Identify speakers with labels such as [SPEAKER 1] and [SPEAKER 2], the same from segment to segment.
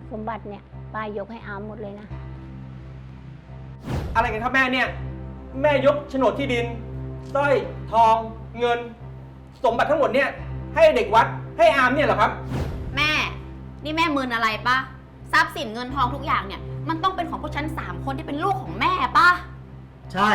[SPEAKER 1] สมบัติเนี่ยป้ายกให้อามหมดเลยนะ
[SPEAKER 2] อะไรกันครับแม่เนี่ย แม่ยกโฉนดที่ดินสร้อยทอง เงิน สมบัติทั้งหมดเนี่ยให้เด็กวัดให้อามเนี่ยเหรอครับ
[SPEAKER 3] แม่ นี่แม่มึนอะไรปะทรัพย์สินเงินทองทุกอย่างเนี่ยมันต้องเป็นของพวกฉัน3 คนที่เป็นลูกของแม่ปะ
[SPEAKER 4] ใช่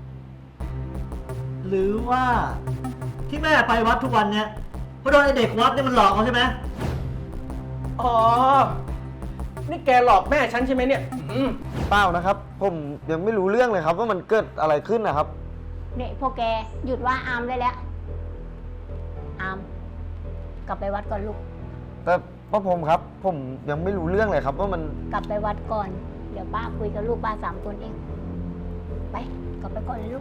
[SPEAKER 4] หรือว่าที่แม่ไปวัดทุกวันเนี่ยเพราะโดนไอเด็กวัดเนี่ยมันหลอกเขาใช่ไหม
[SPEAKER 2] อ๋อ นี่แกหลอกแม่ฉันใช่ไหมเนี่ย
[SPEAKER 5] เปล่านะครับ ผมยังไม่รู้เรื่องเลยครับว่ามันเกิดอะไรขึ้นนะครับ
[SPEAKER 1] เนี่ยพวกแกหยุดว่าอามได้แล้ว อาม กลับไปวัดก่อนลูก
[SPEAKER 5] แต่ป้าพรมครับ ผมยังไม่รู้เรื่องเลยครับว่ามัน
[SPEAKER 1] กลับไปวัดก่อน เดี๋ยวป้าคุยกับลูกป้า3 คนเอง ไป กลับไปก่อนเลยลูก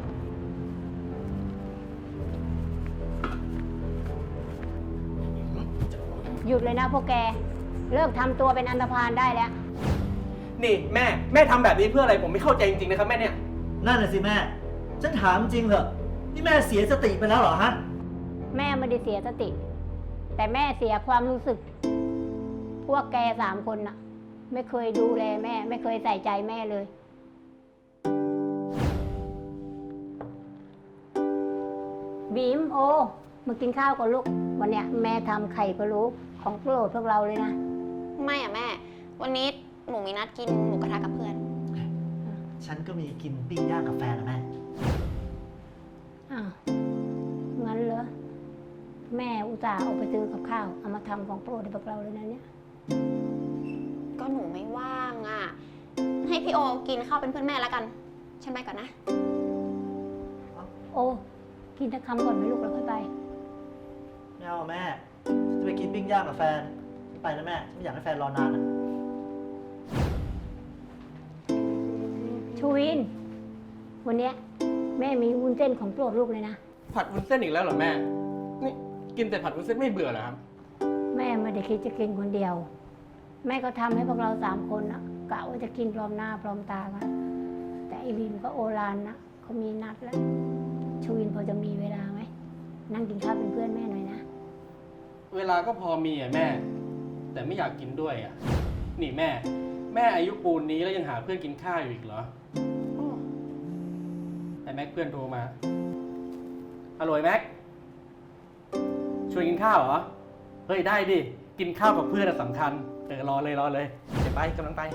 [SPEAKER 1] หยุดเลยนะพวกแก เลิกทำตัวเป็นอันธพาลได้แล้ว
[SPEAKER 2] นี่แม่ทำแบบนี้เพื่ออะไรผมไม่เข้าใจจริงๆนะครับแม่เนี่ย
[SPEAKER 4] นั่นน่ะสิแม่ ฉันถามจริงเถอะนี่แม่เสียสติไปแล้วเหรอฮะ
[SPEAKER 1] แม่ไม่ได้เสียสติ แต่แม่เสียความรู้สึก พวกแก3 คนน่ะ ไม่เคยดูแลแม่ ไม่เคยใส่ใจแม่เลย บีมโอมากินข้าวก่อนลูก วันเนี้ยแม่ทำไข่พะโล้ของโปรดพวกเราเลยนะ
[SPEAKER 3] ไม่อะแม่ วันนี้หนูมีนัดกินหมูกระทะกับเพื่อน
[SPEAKER 4] ฉันก็มีกินปิ้งย่างกับแฟนนะแม่
[SPEAKER 1] อ้าวงั้นเหรอ แม่อุตส่าห์ออกไปซื้อกับข้าว เอามาทำของโปรดให้พวกเราเลยนะเนี่ย
[SPEAKER 3] ก็หนูไม่ว่างอะให้พี่โอกินข้าวเป็นเพื่อนแม่แล้วกัน ฉันไปก่อนนะ
[SPEAKER 1] โอ้กินตะคำก่อนไหมลูกแล้วค่อยไป
[SPEAKER 4] ไม่เอาแม่ จะไปกินปิ้งย่างกับแฟนไม่ไปนะแม่ไม่อยากให้แฟนรอนานนะ
[SPEAKER 1] ชูวิน วันเนี้ยแม่มีวุ้นเส้นของโปรดลูกเลยนะ
[SPEAKER 2] ผัดวุ้นเส้นอีกแล้วเหรอแม่ นี่กินแต่ผัดวุ้นเส้นไม่เบื่อเหรอครับ
[SPEAKER 1] แม่ไม่ได้คิดจะกินคนเดียว แม่ก็ทำให้พวกเรา3 คนนะกะว่าจะกินพร้อมหน้าพร้อมตากัน แต่ไอบีมก็โอรานนะเขามีนัดแล้ว ชูวินพอจะมีเวลาไหม นั่งกินข้าวเป็นเพื่อนแม่หน่อยนะ
[SPEAKER 2] เวลาก็พอมีอ่ะแม่ แต่ไม่อยากกินด้วยอ่ะ นี่แม่อายุปูนนี้แล้วยังหาเพื่อนกินข้าวอยู่อีกเหรออ้อแต่แม็กเพื่อนโทรมาฮัลโหลแม็กชวนกินข้าวเหรอ เฮ้ยได้ดิ กินข้าวกับเพื่อนสำคัญรอเลยเดี๋ยวไปกำลังไป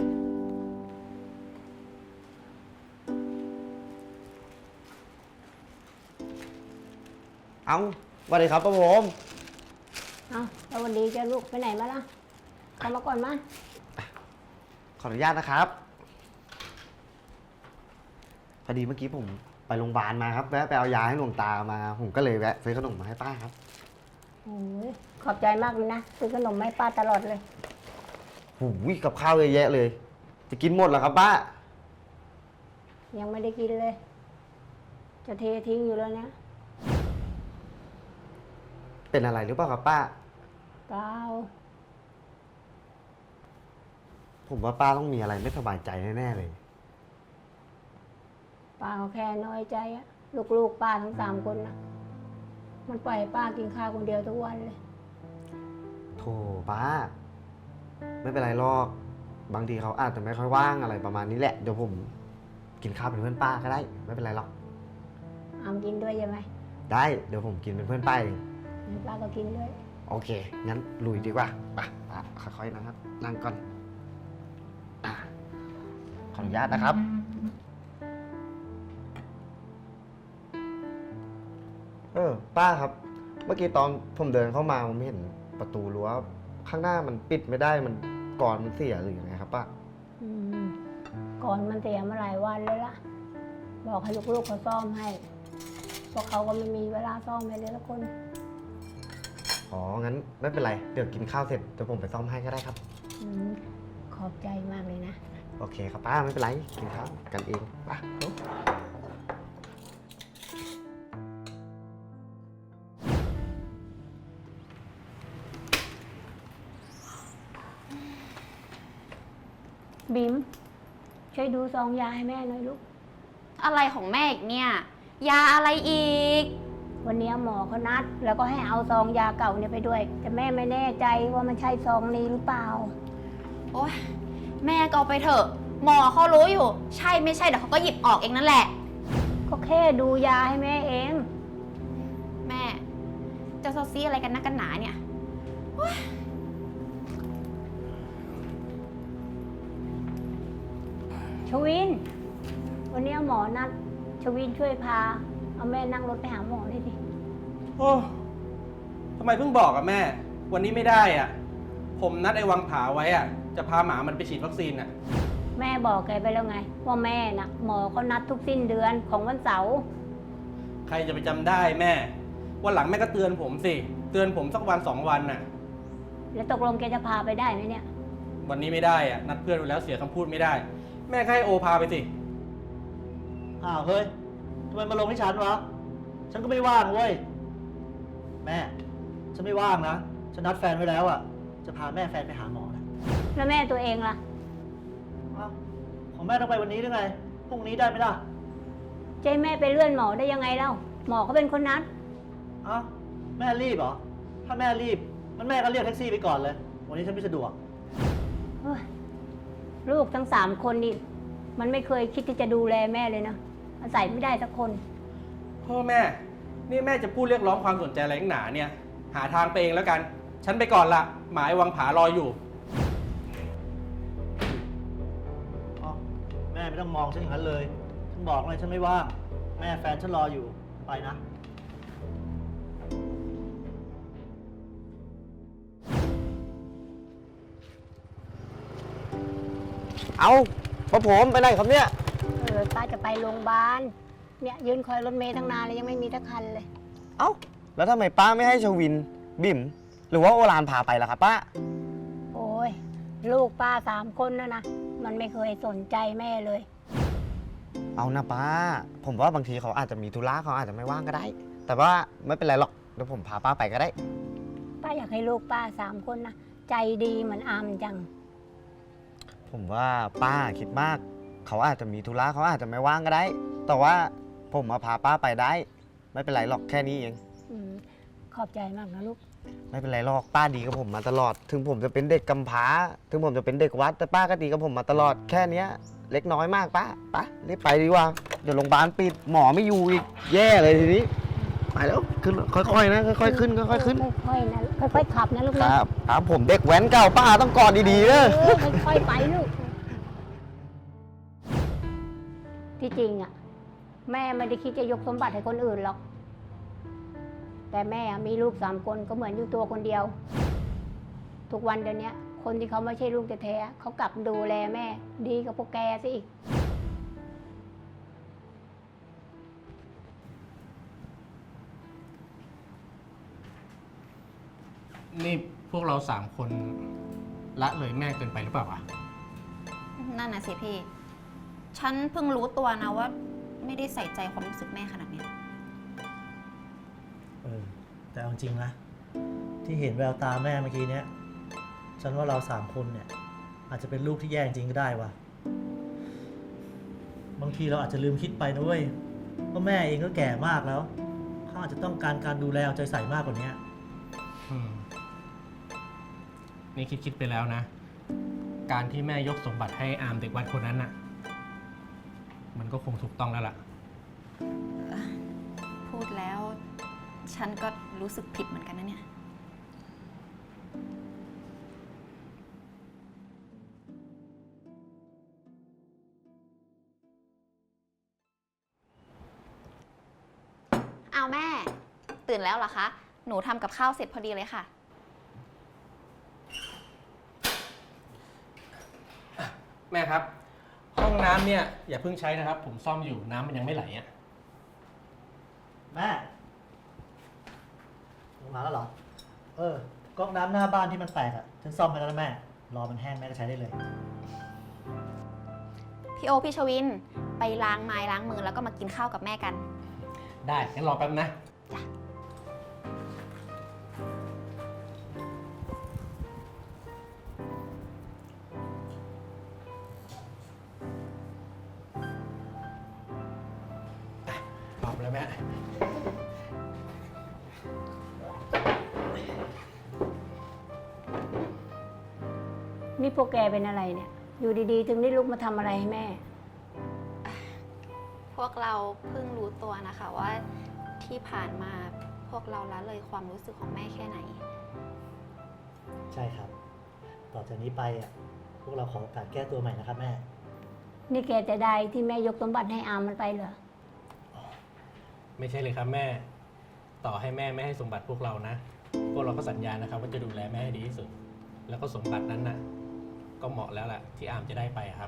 [SPEAKER 5] เอาสวัสดีครับป้าพรม
[SPEAKER 1] เอาแล้ววันดีจะลูกไปไหนมาล่ะเข้ามาก่อนมา
[SPEAKER 5] ขออนุญาตนะครับ พอดีเมื่อกี้ผมไปโรงพยาบาลมาครับแวะไปเอายาให้หลวงตามา ผมก็เลยแวะซื้อขนมมาให้ป้าครับ
[SPEAKER 1] โอ้ยขอบใจมากเลยนะซื้อขนมมาให้ป้าตลอดเลย
[SPEAKER 5] หูยกับข้าวเยอะแยะเลย จะกินหมดเหรอครับป้า
[SPEAKER 1] ยังไม่ได้กินเลย จะเททิ้งอยู่แล้วเนี่ย
[SPEAKER 5] เป็นอะไรหรือเปล่าครับป้า
[SPEAKER 1] เปล่า
[SPEAKER 5] ผมว่าป้าต้องมีอะไรไม่สบายใจแน่ๆเลย
[SPEAKER 1] ป้าก็แค่น้อยใจอะลูกๆป้าทั้ง3 คนนะมันปล่อยให้ป้ากินข้าวคนเดียวทุกวันเลย
[SPEAKER 5] โธ่ป้า ไม่เป็นไรหรอก บางทีเขาอาจจะไม่ค่อยว่างอะไรประมาณนี้แหละ เดี๋ยวผมกินข้าวเป็นเพื่อนป้าก็ได้ ไม่เป็นไรหรอก
[SPEAKER 1] อามกินด้วยใช่ไหม
[SPEAKER 5] ได้ เดี๋ยวผมกินเป็นเพื่อนป้าเอง
[SPEAKER 1] งั้นป้าก็กินด้วย
[SPEAKER 5] โอเค งั้นลุยดีกว่าไปป้าค่อยๆนะครับ นั่งก่อนอ่ะขออนุญาตนะครับ ป้าครับ เมื่อกี้ตอนผมเดินเข้ามาผมเห็นประตูรั้วข้างหน้ามันปิดไม่ได้ มันกรอนมันเสียหรือยังไงครับป้า
[SPEAKER 1] อืมก่อนมันเสียมาหลายวันเลยล่ะ บอกให้ลูกๆเขาซ่อมให้พวกเขาก็ไม่มีเวลาซ่อมให้เลยละคน
[SPEAKER 5] อ๋อ งั้นไม่เป็นไร เดี๋ยวกินข้าวเสร็จเดี๋ยวผมไปซ่อมให้ก็ได้ครับ
[SPEAKER 1] อืมขอบใจมากเลยนะ
[SPEAKER 5] โอเคครับป้าไม่เป็นไร กินข้าวกันเองป้า
[SPEAKER 1] บิมช่วยดูซองยาให้แม่หน่อยลูก
[SPEAKER 3] อะไรของแม่อีกเนี่ย ยาอะไรอีก
[SPEAKER 1] วันนี้หมอเขานัด แล้วก็ให้เอาซองยาเก่าเนี่ยไปด้วย แต่แม่ไม่แน่ใจว่ามันใช่ซองนี้หรือเปล่า
[SPEAKER 3] โอ๊ยแม่ก็เอาไปเถอะ หมอเขารู้อยู่ ใช่ไม่ใช่เดี๋ยวเขาก็หยิบออกเองนั่นแหละ
[SPEAKER 1] ก็แค่ดูยาให้แม่เอง
[SPEAKER 3] แม่ จะซอซี่อะไรกันนักกันหนาเนี่ย
[SPEAKER 1] ชวิน วันนี้หมอนัดชวินช่วยพา เอาแม่นั่งรถไปหาหมอเลยดิ
[SPEAKER 2] โอ้ทำไมเพิ่งบอกอะแม่ วันนี้ไม่ได้อะผมนัดไอ้วังผาไว้อะจะพาหมามันไปฉีดวัคซีนอะ
[SPEAKER 1] แม่บอกแกไปแล้วไง ว่าแม่น่ะ หมอเขานัดทุกสิ้นเดือนของวันเสาร์
[SPEAKER 2] ใครจะไปจำได้แม่ วันหลังแม่ก็เตือนผมสิ เตือนผมสักวัน2 วันน่ะ
[SPEAKER 1] แล้วตกลงแกจะพาไปได้ไหมเนี่ย
[SPEAKER 2] วันนี้ไม่ได้อะนัดเพื่อนไว้แล้วเสียคำพูดไม่ได้ แม่ก็ให้โอพาไปสิ
[SPEAKER 4] อ้าวเฮ้ยทำไมมาลงที่ฉันวะ ฉันก็ไม่ว่างเว้ย แม่ ฉันไม่ว่างนะ ฉันนัดแฟนไว้แล้วอ่ะ จะพาแม่แฟนไปหาหมอนะ
[SPEAKER 1] แล้วแม่ตัวเองล่ะ
[SPEAKER 4] อ้าวของแม่ต้องไปวันนี้หรือไง พรุ่งนี้ได้ไหมล่ะ
[SPEAKER 1] เจ๊แม่ไปเลื่อนหมอได้ยังไงเล่า หมอเขาเป็นคนนัด
[SPEAKER 4] อ้าวแม่รีบเหรอ ถ้าแม่รีบ มันแม่ก็เรียกแท็กซี่ไปก่อนเลย วันนี้ฉันไม่สะดวก
[SPEAKER 1] เฮ้ยลูกทั้ง3 คนนี่มันไม่เคยคิดที่จะดูแลแม่เลยนะอาศัยไม่ได้สักคน
[SPEAKER 2] พ่อแม่ นี่แม่จะพูดเรียกร้องความสนใจอะไรนักหนาเนี่ย หาทางไปเองแล้วกัน ฉันไปก่อนละหมายวังผารออยู่
[SPEAKER 4] อ๋อแม่ไม่ต้องมองฉันอย่างนั้นเลย ฉันบอกเลยฉันไม่ว่าง แม่แฟนฉันรออยู่ ไปนะ
[SPEAKER 5] เอาพ่อผมไปไหนครับเนี่ย
[SPEAKER 1] ป้าจะไปโรงพยาบาล เนี่ยยืนคอยรถเมล์ตั้งนานเลยยังไม่มีทักคันเลย
[SPEAKER 5] เอ้า แล้วทำไมป้าไม่ให้ชวิน บิ่ม หรือว่าโอรานพาไปล่ะครับป้า
[SPEAKER 1] โอ้ยลูกป้า3 คนนะ มันไม่เคยสนใจแม่เลย
[SPEAKER 5] เอานะป้า ผมว่าบางทีเขาอาจจะมีธุระเขาอาจจะไม่ว่างก็ได้ แต่ว่าไม่เป็นไรหรอก เดี๋ยวผมพาป้าไปก็ได้
[SPEAKER 1] ป้าอยากให้ลูกป้า3 คนนะใจดีเหมือนอามจัง
[SPEAKER 5] ผมว่าป้าคิดมาก เขาอาจจะมีธุระเขาอาจจะไม่ว่างก็ได้ แต่ว่าผมมาพาป้าไปได้ ไม่เป็นไรหรอกแค่นี้เอง
[SPEAKER 1] อืมขอบใจมากนะลูก
[SPEAKER 5] ไม่เป็นไรหรอกป้าดีกับผมมาตลอด ถึงผมจะเป็นเด็กกำพร้า ถึงผมจะเป็นเด็กวัด แต่ป้าก็ดีกับผมมาตลอด แค่เนี้ย เล็กน้อยมากป้ารีบไปดีกว่า เดี๋ยวโรงพยาบาลปิดหมอไม่อยู่อีก แย่เลยทีนี้ ไปแล้วขึ้นค่อยๆนะค่อยๆขึ้นค่อยๆขึ้น
[SPEAKER 1] ค่อยๆนะค่อยๆขับนะลูก
[SPEAKER 5] ค
[SPEAKER 1] นะ
[SPEAKER 5] รับผมเด็กแว้นเก่าป้าต้องกอดดีๆนะ
[SPEAKER 1] ค่อยๆไปลูก ที่จริงอ่ะ แม่ไม่ได้คิดจะยกสมบัติให้คนอื่นหรอก แต่แม่มีลูก3 คนก็เหมือนอยู่ตัวคนเดียว ทุกวันเดี๋ยวนี้คนที่เขาไม่ใช่ลูกแท้ๆเขากลับดูแลแม่ ดีกับพวกแกซะอีก
[SPEAKER 2] นี่พวกเรา3 คนละเลยแม่เกินไปหรือเปล่าวะ
[SPEAKER 3] นั่นน่ะสิพี่ ฉันเพิ่งรู้ตัวนะว่า ไม่ได้ใส่ใจความรู้สึกแม่ขนาดเนี้ย
[SPEAKER 4] แต่เอาจริงนะ ที่เห็นแววตาแม่เมื่อกี้เนี้ย ฉันว่าเรา3 คนเนี่ย อาจจะเป็นลูกที่แย่จริงก็ได้วะบางทีเราอาจจะลืมคิดไปนะเว้ยว่าแม่เองก็แก่มากแล้วเขาอาจจะต้องการการดูแลเอาใจใส่มากกว่านี้
[SPEAKER 2] นี่คิดไปแล้วนะ การที่แม่ยกสมบัติให้อามเด็กวัดคนนั้นน่ะ มันก็คงถูกต้องแล้วล่ะ
[SPEAKER 3] พูดแล้ว ฉันก็รู้สึกผิดเหมือนกันนะเนี่ย เอาแม่ ตื่นแล้วเหรอคะ หนูทำกับข้าวเสร็จพอดีเลยค่ะ
[SPEAKER 2] แม่ครับ ห้องน้ำเนี่ยอย่าเพิ่งใช้นะครับ ผมซ่อมอยู่น้ำมันยังไม่ไหลอ่ะ
[SPEAKER 4] แม่ลงมาแล้วเหรอ ก๊อกน้ำหน้าบ้านที่มันแตกอ่ะ ฉันซ่อมไปแล้วนะแม่ รอมันแห้งแม่ก็ใช้ได้เลย
[SPEAKER 3] พี่โอพี่ชวิน ไปล้างไม้ล้างมือแล้วก็มากินข้าวกับแม่กัน
[SPEAKER 2] ได้งั้นรอแป๊บนะ พร้อมแล้วแม่
[SPEAKER 1] นนี่พวกแกเป็นอะไรเนี่ย อยู่ดีๆ ถึงได้ลุกมาทำอะไรให้แม่
[SPEAKER 3] พวกเราเพิ่งรู้ตัวนะคะว่าที่ผ่านมาพวกเราละเลยความรู้สึกของแม่แค่ไหน
[SPEAKER 4] ใช่ครับ ต่อจากนี้ไปอ่ะ พวกเราขอโอกาสแก้ตัวใหม่นะครับแม่
[SPEAKER 1] นี่แกจะได้ที่แม่ยกสมบัติให้อามมันไปเหรอ
[SPEAKER 2] ไม่ใช่เลยครับแม่ ต่อให้แม่ไม่ให้สมบัติพวกเรานะ พวกเราก็สัญญานะครับว่าจะดูแลแม่ให้ดีที่สุด แล้วก็สมบัตินั้นน่ะ ก็เหมาะแล้วแหละที่อามจะได้ไปครับ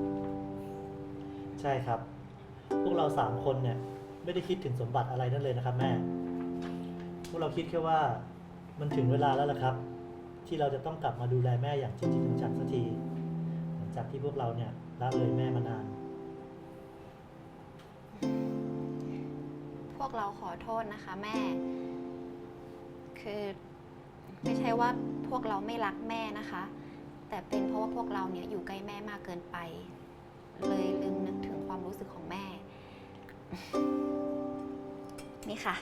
[SPEAKER 4] ใช่ครับ พวกเรา3 คนเนี่ยไม่ได้คิดถึงสมบัติอะไรนั่นเลยนะครับแม่ พวกเราคิดแค่ว่ามันถึงเวลาแล้วล่ะครับ ที่เราจะต้องกลับมาดูแลแม่อย่างจริงๆจังๆสักทีหลังจากที่พวกเราเนี่ยละเลยแม่มานาน
[SPEAKER 3] พวกเราขอโทษนะคะแม่ คือไม่ใช่ว่าพวกเราไม่รักแม่นะคะ แต่เป็นเพราะว่าพวกเราเนี่ยอยู่ใกล้แม่มากเกินไป เลยลืมนึกถึงความรู้สึกของแม่ นี่ค่ะ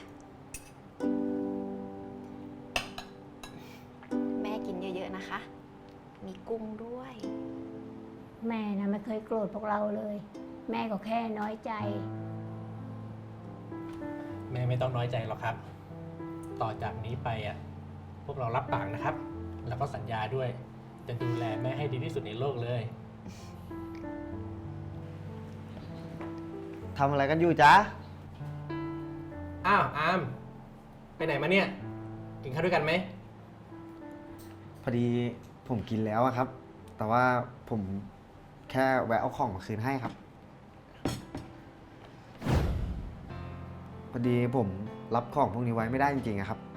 [SPEAKER 3] แม่กินเยอะๆนะคะ มีกุ้งด้วย
[SPEAKER 1] แม่นะไม่เคยโกรธพวกเราเลย แม่ก็แค่น้อยใจ
[SPEAKER 2] แม่ไม่ต้องน้อยใจหรอกครับ ต่อจากนี้ไปอ่ะ พวกเรารับปากนะครับ แล้วก็สัญญาด้วย จะดูแลแม่ให้ดีที่สุดในโลกเลย
[SPEAKER 5] ทำอะไรกันอยู่จ๊ะ
[SPEAKER 2] อ้าวอาม ไปไหนมาเนี่ย กินข้าวด้วยกันไหม
[SPEAKER 5] พอดีผมกินแล้วอะครับ แต่ว่าผมแค่แวะเอาของมาคืนให้ครับ พอดีผมรับของพวกนี้ไว้ไม่ได้จริงๆอะครับ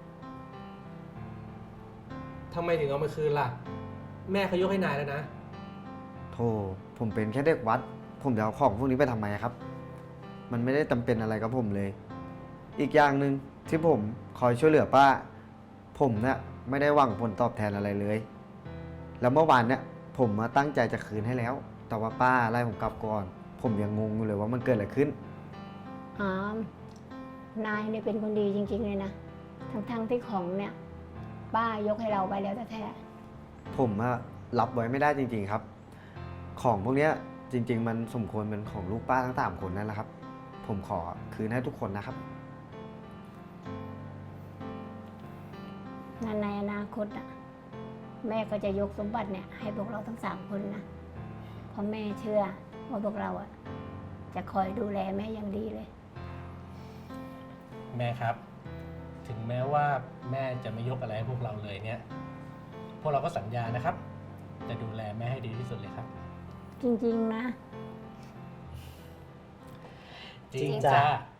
[SPEAKER 2] ทำไมถึงเอามาคืนล่ะ แม่เขายกให้นายแล้วนะ
[SPEAKER 5] โธ่ผมเป็นแค่เด็กวัด ผมจะเอาของพวกนี้ไปทำไมครับ มันไม่ได้จำเป็นอะไรกับผมเลย อีกอย่างหนึ่งที่ผมคอยช่วยเหลือป้า ผมเนี่ยไม่ได้หวังผลตอบแทนอะไรเลย แล้วเมื่อวานเนี่ยผมมาตั้งใจจะคืนให้แล้ว แต่ว่าป้าไล่ผมกลับก่อน ผมยังงงอยู่เลยว่ามันเกิดอะไรขึ้น
[SPEAKER 1] อาม นายเนี่ยเป็นคนดีจริง ๆ เลยนะ ทั้งๆที่ของเนี่ย ป้ายกให้เราไปแล้วแท้
[SPEAKER 5] ผมอะรับไว้ไม่ได้จริง ๆครับ ของพวกเนี้ยจริง ๆ มันสมควรเป็นของลูกป้าทั้ง3 คนนั่นแหละครับ ผมขอคืนให้ทุกคนนะครับ
[SPEAKER 1] ๆนั่นในอนาคตอ่ะ แม่ก็จะยกสมบัติเนี่ย ให้พวกเราทั้ง3 คนนะ เพราะแม่เชื่อว่าพวกเราอ่ะ จะคอยดูแลแม่อย่างดีเลย
[SPEAKER 2] แม่ครับ ถึงแม้ว่าแม่จะไม่ยกอะไรให้พวกเราเลยเนี่ย พวกเราก็สัญญานะครับ จะดูแลแม่ให้ดีที่สุดเลยครับ
[SPEAKER 1] จริง ๆ นะ
[SPEAKER 2] จริงจ้า